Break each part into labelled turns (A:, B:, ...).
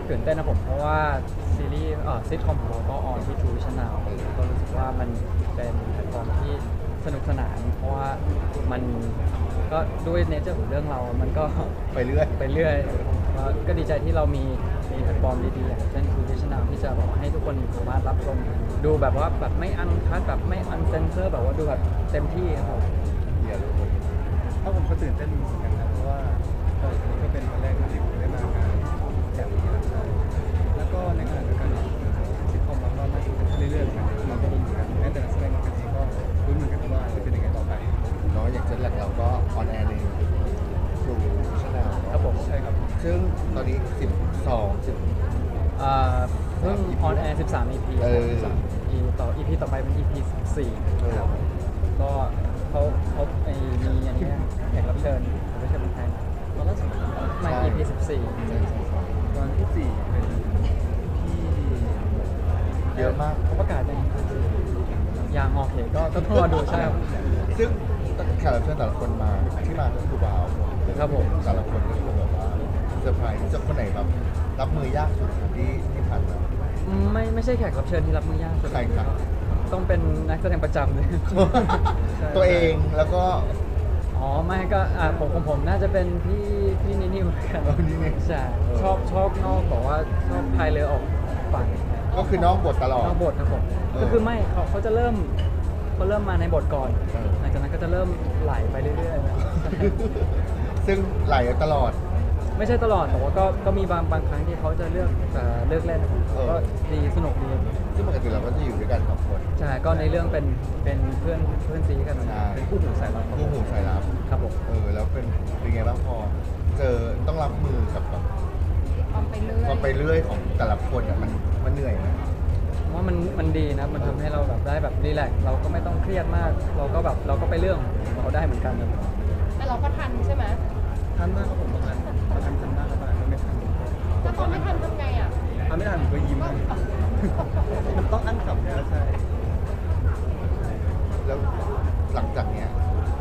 A: ตื่นเต้นนะผมเพราะว่าซีรีส์ซิทคอมของเราก็ออนที่ True Vision Now ก็รู้สึกว่ามันเป็นแพลตฟอร์มที่สนุกสนานเพราะว่ามันก็ด้วยเนเจอร์ของเรื่องเรามันก็
B: ไปเรื่อย
A: ไปเรื่อยก็ดีใจที่เรามีแพลตฟอร์มดีๆอย่างเช่น True Vision Now ที่จะบอกให้ทุกคนสามารถรับชมดูแบบว่าแบบไม่อันคัทแบบไม่อันเซนเซอร์แบบว่าดูแบบเต็มที่ครับผม
B: เดี๋ยว
C: ถ้าผมก็ตื่นเต้นเหมือนกันนะเพราะว่านี่ก็เป็นวันแรกที่ผมได้มางานแบบนี้นะครับแล้วก็ในขณะเดียวกันซิทคอมเราก็มาถึงเรื่อยๆกันเราก็รู้เหมือนกันแม้แต่นักแสดงกันเองก็รู้เหมือนกันว่าจะเป็นยังไงต่อไป
B: เนาะอย่างเช่นหลักเราก็ออนแอร์ในทรูชแนล
A: ครับผม
C: ใช่ครับ
B: ซึ่งตอนนี้
A: เพิ่งออนแอร์13 EP 13 EP EP ต่อไปเป็น EP 14ครับก็เขามีอย่างนี้แขกรับเชิญไม่ใช่เป็นใครตอนล่าสุดมา EP 14
C: ตอนที่สี่เป็นพี่
B: เยอะมาก
A: เขาประกาศยังโอเคก็ต้องรอดูใช่ครับ
B: ซึ่งแขกรับเชิญแต่ละคนมาที่มาก็คือว้าว
A: ครับผม
B: แต่ละคนก็คือแบบว่าเซอร์ไพรส์จะคนไหนแบบรับมือยากสุดที่ผ่านมา
A: ไม่ใช่แขกรับเชิญที่รับมือยากสุด
B: ใครครับ
A: ต้องเป็นนักแสดงประจำเลย ใช่
B: ตัวเองแล้วก็
A: อ๋อไม่ก็ผมน่าจะเป็นพี่นิวเหมือนกัน
B: นี่นี่
A: ใช่ชอบนอกบอกว่าชอบพายเรือออกฝั่ง
B: ก็คือนอกบทตลอด
A: นอกบทครับผมก็คือไม่เขาจะเริ่มมาในบทก่อน
B: เออ
A: หลังจากนั้นก็จะเริ่มไหลไปเรื่อยๆนะ
B: ซึ่งไหลตลอด
A: ไม่ใช่ตลอดแต่ว่าก็มีบางครั้งที่เขาจะเลือกเล่นนะครับก็ดีสนุกดี
B: ซึ่งปกติเราก็จะอยู่ด้วยกันสองคน
A: ใช่ก็ในเรื่องเป็นเพื่อนซีกัน
B: ใช่
A: เป็นคู่หูสายลับ
B: คู่หูสายลับ
A: ครับผม
B: แล้วเป็นไงบ้างพอเจอต้องรับมือกับแบบ
D: ความไปเรื่อย
B: ความไปเรื่อยของแต่ละคนอ่ะมันเหนื่อยไหม
A: ว่ามันดีนะมันทำให้เราแบบได้แบบรีแลกซ์เราก็ไม่ต้องเครียดมาก เราก็ไปเรื่องของเราได้เหมือนกันนะ
D: แต่เราก็ทันใช่ไหม
C: ทันมากครับผมบางอันทันมากแล้วบางอันก็ไม่ทัน
D: ถ้าตอนไม่ทันทำไงอ่ะ
C: ถ้าไม่ทันผมก็ยิ้มมันต้องอั้นขำเนี่ยใช่
B: แล้วหลังจากเนี้ย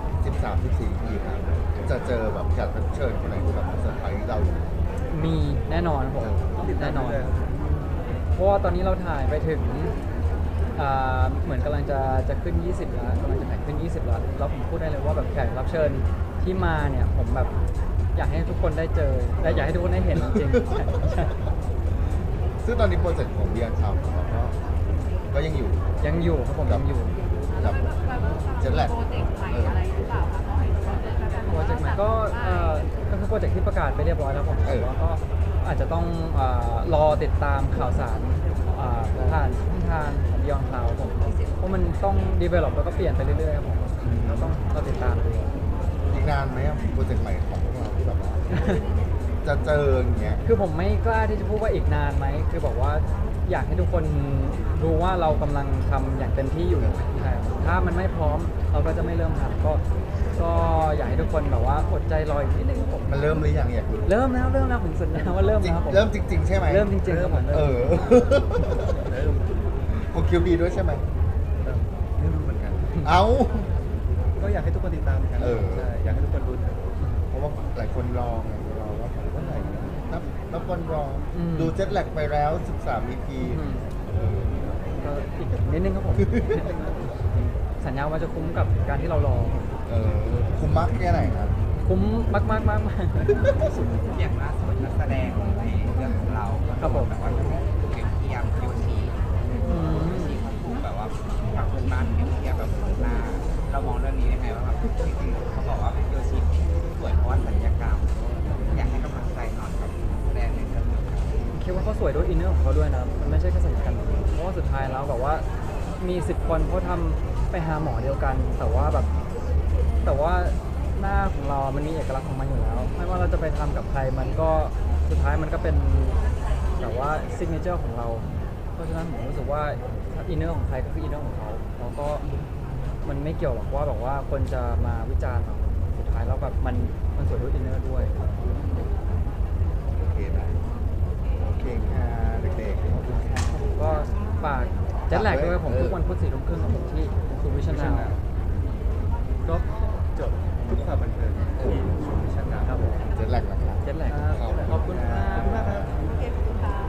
B: 13 14ปีครับจะเจอแบบแขกรับเชิญคนไหนที่แบบเซอร์ไพรส์เรา
A: มีแน่นอนผม
C: ต้องติดตาม
A: แน่นอน
C: เลย
A: เพราะว่าตอนนี้เราถ่ายไปถึงเหมือนกำลังจะขึ้น 20 แล้วกำลังจะถ่ายขึ้น 20 แล้วแล้วผมพูดได้เลยว่าแบบแขกรับเชิญที่มาเนี่ยผมแบบอยากให้ทุกคนได้เจอและอยากให้ทุกคนได้เห็นจริงๆใช่
B: ซึ่งตอนนี้โปรเจกต์ของเบียร์ทำของเราก็ยังอยู่
A: ยังอยู่ครับผมยังอยู่
B: กับเจ็ตแลก
D: โปรเจกต์ใหม่อะไรหรือเปล่าคะน้องเห็นว่าเจอกัน
A: โปรเจกต์ใหม่ก็คือโปรเจกต์ที่ประกาศไปเรียบร้อยแล้วผมแต่ว่าก็อาจจะต้องรอติดตามข่าวสารผ่านช่องทางของ Beyond Cloud ผมเพราะมันต้อง develop แล้วก็เปลี่ยนไปเรื่อยๆครับผมเราต้องเราติดตามดู
B: อีกนานไหมอะโปรเจกต์ใหม่ของพวกเราที่แบบว่า จะเจออย่างเงี้ย
A: คือผมไม่กล้าที่จะพูดว่าอีกนานไหมคือบอกว่าอยากให้ทุกคนรู้ว่าเรากำลังทำอย่างเต็มที่อยู่ใช่ถ้ามันไม่พร้อมเราก็จะไม่เริ่มทำก็อยากให้ทุกคนแบบว่าอดใจรออีกนิดนึงครับผม
B: มันเริ่มหรือยังอยากรู้
A: เริ่มแล้วผมสัญญาว่าเริ่ม
B: จริง
A: แล้วครับผม
B: เริ่มจริง ๆ ใช่ไหม
A: เริ่มจริงๆครับผม
B: เออ
C: เริ่ม
B: ของคิวบีด้วยใช่ไหม
C: ไม่รู้เหมือนกัน
B: เอ้า
C: ก็อยากให้ทุกคนติดตามกัน
B: เออ
C: ใช่อยากให้ทุกคนรู้นะ
B: เพราะว่าหลายคนรอไงรอว่าเมื่อไหร่นะนับวันรออ
A: ม
B: ดูเจ็ตแลกไปแล้ว 13 EP
A: อืม
B: เออ
A: ก็อีกนิดนึงครับผม สัญญาว่าจะคุ้มกับการที่เรารอ
B: คุ้มมากแค่ไหนครับ
A: คุ้มมาก
E: อย่างล่าสุดนักแสดงในเรื่องของเรา
A: ครับผม
E: แบบว่าถูกเปรียบเทียบโยชิ
A: อืม
E: ที่เขาถูกแบบว่าฝั่งเพื่อนบ้านเปรียบเทียบแบบหน้าเรามองเรื่องนี้ยังไงว่าแบบจริงๆเขาบอกว่าโยชิสวยเพราะว่าศัลยกรรมอยากให้กำลังใจหน่อยกับแสดงในเรื่องนี้ครับ
A: คิดว่าเขาสวยด้วยอินเนอร์ของเขาด้วยนะ มันไม่ใช่แค่สัญญกรรมเพราะว่าสุดท้ายแล้วแบบว่ามี10 คนเขาทำไปหาหมอเดียวกัน แต่ว่าหน้าของเรามันมีเอกลักษณ์ของมันอยู่แล้ว ไม่ว่าเราจะไปทำกับใครมันก็สุดท้ายมันก็เป็นแบบว่าซิกเนเจอร์ของเรา เพราะฉะนั้นผมรู้สึกว่าอินเนอร์ของใครก็คืออินเนอร์ของเขาแล้วก็มันไม่เกี่ยวหรอกว่าแบบว่าคนจะมาวิจารณ์เราสุดท้ายแล้วแบบมันสวยด้วยอินเนอร์ด้วย
B: โอเคนะโอเคค่ะเด็กๆขอบคุณค่ะ
A: ก็ฝากแจ็ตแลกด้วยผมทุกวันพุธ4 ทุ่มครึ่งของผมที่ทูวิชั่นแนล
C: ก็จบทุกความบันเทิงที่ชมวิชั่นนา
A: ครับผม
B: เจ็ตแลกนะครับ
A: เจ็ตแลก
B: ขอบคุณ
A: ขอบคุณครับ
C: ขอบคุณมากครับ
D: เก็บค่ะ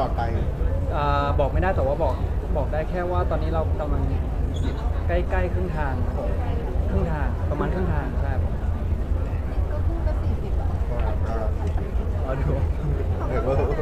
B: อดไป
A: บอกไม่ได้แต่ว่าบอกได้แค่ว่าตอนนี้เรากำลังใกล้ๆครึ่งทางครับผมครึ่งทางประมาณครึ่งทางใช่ครับผม
D: ก็คู่ก็40อ่ะ
A: รอดู
B: เออ